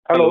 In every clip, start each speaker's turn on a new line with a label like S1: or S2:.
S1: Hello.
S2: Hello.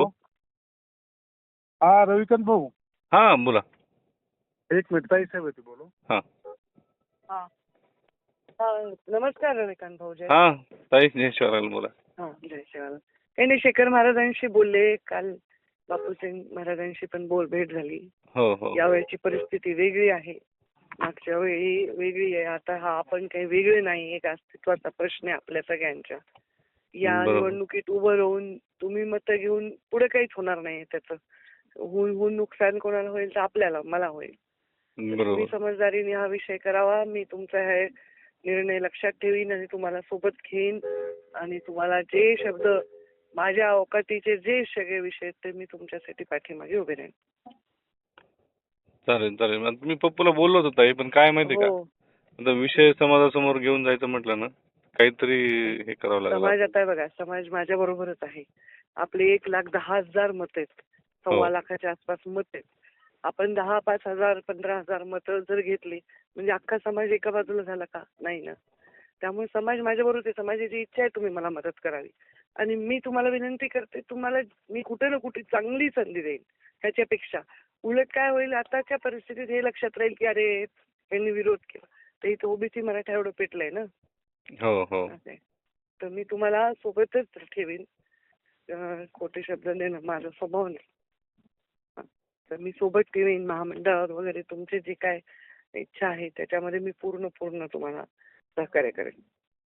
S1: हा रविकांत भाऊ,
S2: हा बोला.
S1: एक मिनिट ताई साहेब होती बोलू.
S2: हा
S3: हा. नमस्कार रविकांत भाऊ. जय
S2: हा ताई जय शिवराल बोला.
S3: हा, जय शिवाला. काही नाही, शेखर महाराजांशी बोलले काल. बापूसिंग महाराजांशी पण भेट झाली.
S2: हो हो
S3: यावेळची परिस्थिती वेगळी आहे, मागच्या वेळी वेगळी आहे. आता हा आपण काही वेगळे नाही, एक अस्तित्वाचा प्रश्न आहे आपल्या सगळ्यांच्या. या
S2: बरोबर.
S3: निवडणुकीत उभं राहून तुम्ही मतं घेऊन पुढे काहीच होणार नाही. त्याचं होऊन नुकसान कोणाला होईल तर आपल्याला, मला होईल. तुम्ही
S2: बरोबर.
S3: समजदारीने हा विषय करावा. मी तुमचा हे निर्णय लक्षात ठेवीन आणि तुम्हाला सोबत घेईन. आणि तुम्हाला जे शब्द माझ्या अवकाटीचे जे सगळे विषय आहेत ते मी तुमच्यासाठी पाठीमागे उभे राहीन.
S2: चालेल चालेल. आता मी पप्पूला बोललो होतो ताई, पण काय माहिती का,
S3: हो.
S2: आता विषय समाजासमोर घेऊन जायचं म्हटलं ना, काहीतरी हे करावं लागेल.
S3: समाज आता बघा, समाज माझ्या बरोबरच आहे. आपले 1,10,000 मत आहेत,
S2: हो.
S3: 1.25 लाखाच्या आसपास मत आहेत. आपण 10, 5,000, 15,000 मतं जर घेतली म्हणजे अख्खा समाज एका बाजूला झाला का? नाही ना. त्यामुळे समाज माझ्या बरोबर आहे. समाजाची इच्छा आहे तुम्ही मला मदत करावी. आणि मी तुम्हाला विनंती करते, तुम्हाला मी कुठे ना कुठे चांगली संधी देईन. ह्याच्यापेक्षा उलट काय होईल, आताच्या परिस्थितीत हे लक्षात राहील की अरे यांनी विरोध केला, तर इथं ओबीसी मराठा एवढं पेटलंय ना.
S2: हो हो
S3: असं आहे. तर मी तुम्हाला सोबतच ठेवीन. खोटे शब्द देणं माझा स्वभाव नाही. हा. तर मी सोबत ठेवीन. महामंडळावर वगैरे तुमची जी काय इच्छा आहे त्याच्यामध्ये मी पूर्ण तुम्हाला सहकार्य करेन.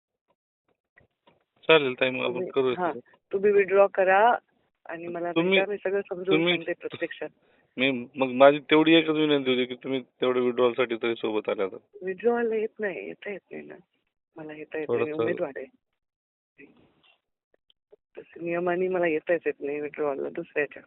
S2: चालेल ताई, मग आपण करू.
S3: हा, तुम्ही विड्रॉ करा आणि मला
S2: तुम्ही-
S3: भेटा. मी सगळं समजून
S2: तुम्ही-
S3: सांगते प्रत्यक्षात.
S2: मी मग माझी तेवढी एकच विनंती होती की तुम्ही तेवढं विड्रॉल साठी तरी सोबत आल्या तर.
S3: विड्रॉला येता येत नाही ना. मला येता येत नाही, मी
S2: थोडंसं-
S3: उमेदवार आहे. तसं नियमाने मला येताच येत नाही विड्रॉला दुसऱ्याच्या.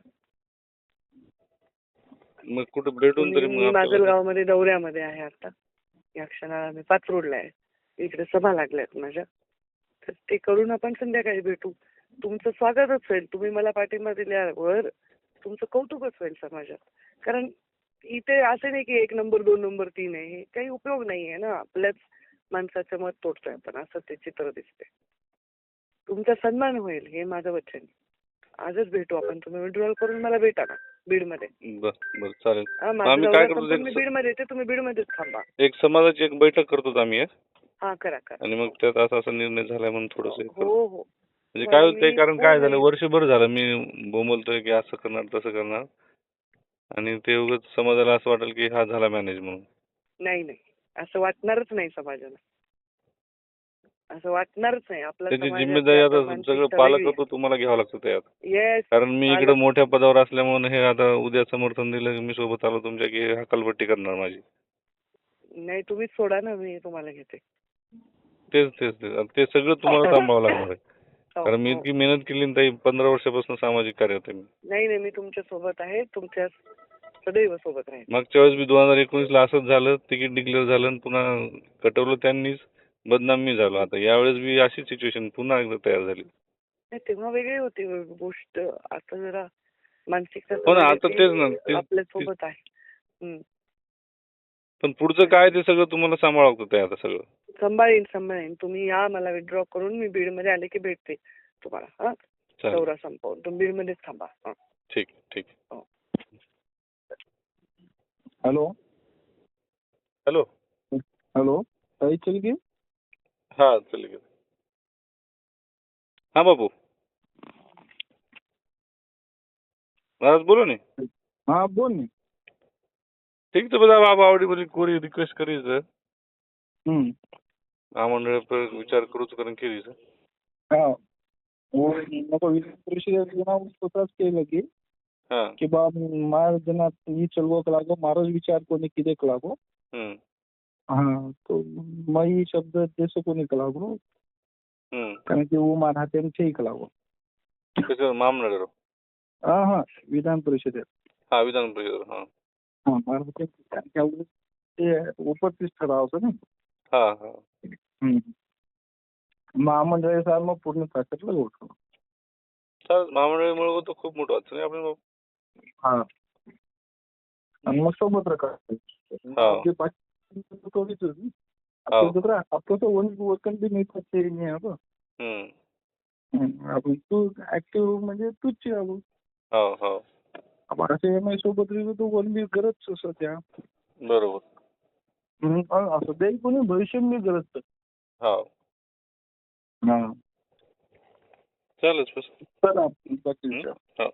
S2: मग कुठे भेटून तरी
S3: मी
S2: मग आपल्याला-
S3: माजलगावमध्ये दौऱ्यामध्ये आहे आता. या क्षणाला मी पाचरोडला आहे. इकडे सभा लागल्यात माझ्या. तर ते करून आपण संध्याकाळी भेटू. तुमचं स्वागतच होईल. तुम्ही मला पाठिंबा दिल्यावर तुमचं कौतुकच होईल समाजात. कारण इथे असं नाही की 1 नंबर 2 नंबर 3 आहे. हे काही उपयोग नाहीये ना. आपल्याच माणसाचं मत तोडतोय आपण, असं ते चित्र दिसते. तुमचा सन्मान होईल हे माझं वचन. आजच भेटू आपण. तुम्ही विड्रॉल करून मला भेटा ना बीडमध्ये.
S2: बरं चालेल.
S3: हा,
S2: मग
S3: माझा
S2: आम्ही
S3: दौरा
S2: काय करतो,
S3: संपून मी बीडमध्ये येते. तुम्ही बीडमध्येच थांबा.
S2: एक समाजाची एक बैठक करतो आम्ही एक.
S3: हा, करा.
S2: आणि मग त्यात असा निर्णय झालाय म्हणून थोडस
S3: हो.
S2: म्हणजे काय होतंय,
S3: मी
S2: कारण काय झालं,
S3: पूर्ण-
S2: वर्षभर झालं मी बोंबलतोय की असं करणार तसं करणार, आणि ते उगाच समाजाला असं वाटेल की हा झाला मॅनेज म्हणून.
S3: नाही, असं वाटणारच नाही समाजाला. असं वाटणारच नाही. आपला
S2: त्याची
S3: समाजातली
S2: जिम्मेदारी
S3: आता
S2: आता
S3: मानसिकता
S2: सगळं
S3: वेगळी आहे.
S2: पालकत्व तुम्हाला घ्यावं लागतं त्यात.
S3: येस.
S2: कारण मी इकडे
S3: पालक-
S2: मोठ्या पदावर असल्यामुळे हे आता उद्या समर्थन दिलं की मी सोबत आलो तुमच्या की हकालपट्टी करणार माझी.
S3: नाही, तुम्हीच सोडा ना, मी तुम्हाला घेते.
S2: तेच ते सगळं तुम्हाला सांभाळावं लागणार आहे.
S3: हो,
S2: कारण मी
S3: हो.
S2: इतकी मेहनत केली ना ताई, 15 वर्षापासून सामाजिक कार्यात आहे मी.
S3: नाही, मी तुमच्या सोबत आहे. तुमच्या सदैव सोबत राहील.
S2: मागच्या वेळेस मी 2019ला असंच झालं, तिकीट डिक्लेअर झालं आणि पुन्हा कटवलं त्यांनीच, बदनाम मी झालो. आता यावेळेस बी अशी सिच्युएशन पुन्हा एकदा तयार झाली.
S3: नाही, तेव्हा वेगळी होती गोष्ट. आता जरा मानसिकता
S2: हो ना, आता तेच ना,
S3: आपल्या सोबत आहे.
S2: पण पुढचं काय ते सगळं तुम्हाला सांभाळावं लागतं आता सगळं.
S3: सांभाळीन. तुम्ही या, मला विड्रॉ करून मी बीडमध्ये आले की भेटते तुम्हाला. हा,
S2: चालेल.
S3: दौरा संपवून तुम्ही बीडमध्येच थांबा. हा.
S2: ठीक.
S1: हॅलो.
S2: हॅलो.
S1: ताई चल की.
S2: हा चल. हा बाबू महाराज बोलो ने.
S1: हा बोल ना.
S2: ठीक तो બધા બાપ આવડી બધી કોરી રિક્વેસ્ટ કરી છે. આ મંડળ પર વિચાર કરું છું કરીને કેવી છે.
S1: हा. नको विधान परिषदेत स्वतःच केलं की
S2: हा.
S1: की बा मार जना ही चलवक लागो मारो विचार कोणी किदेक लागो. हा, तो मई शब्द देशो कोणी लागो. कारण की वो मानहाते ठीक लागो.
S2: कसं मामनगर.
S1: हा, विधान परिषदेत.
S2: हा, विधान परिषद. हा
S1: हा, मानहाते ते उपस्थित ठरावचं ना.
S2: हा.
S1: महामंडळ साहेब मग पूर्ण ताकदला गोठवलं.
S2: चालेल, महामंडळामुळे तो खूप मोठं वाटतं नाही आपण.
S1: हा, आणि मग सोबत आपलं तो वकन बी नाही नाही आपण तू ऍक्टिव्ह म्हणजे तूच
S2: हो हो
S1: बाळासाहेब एम आय सोबत तो कोणी करत सध्या.
S2: बरोबर.
S1: सध्या कोणी भविष्य मी करत.
S2: हो
S1: हा
S2: चालेल बस.
S1: चला बाकी विचार.
S2: हो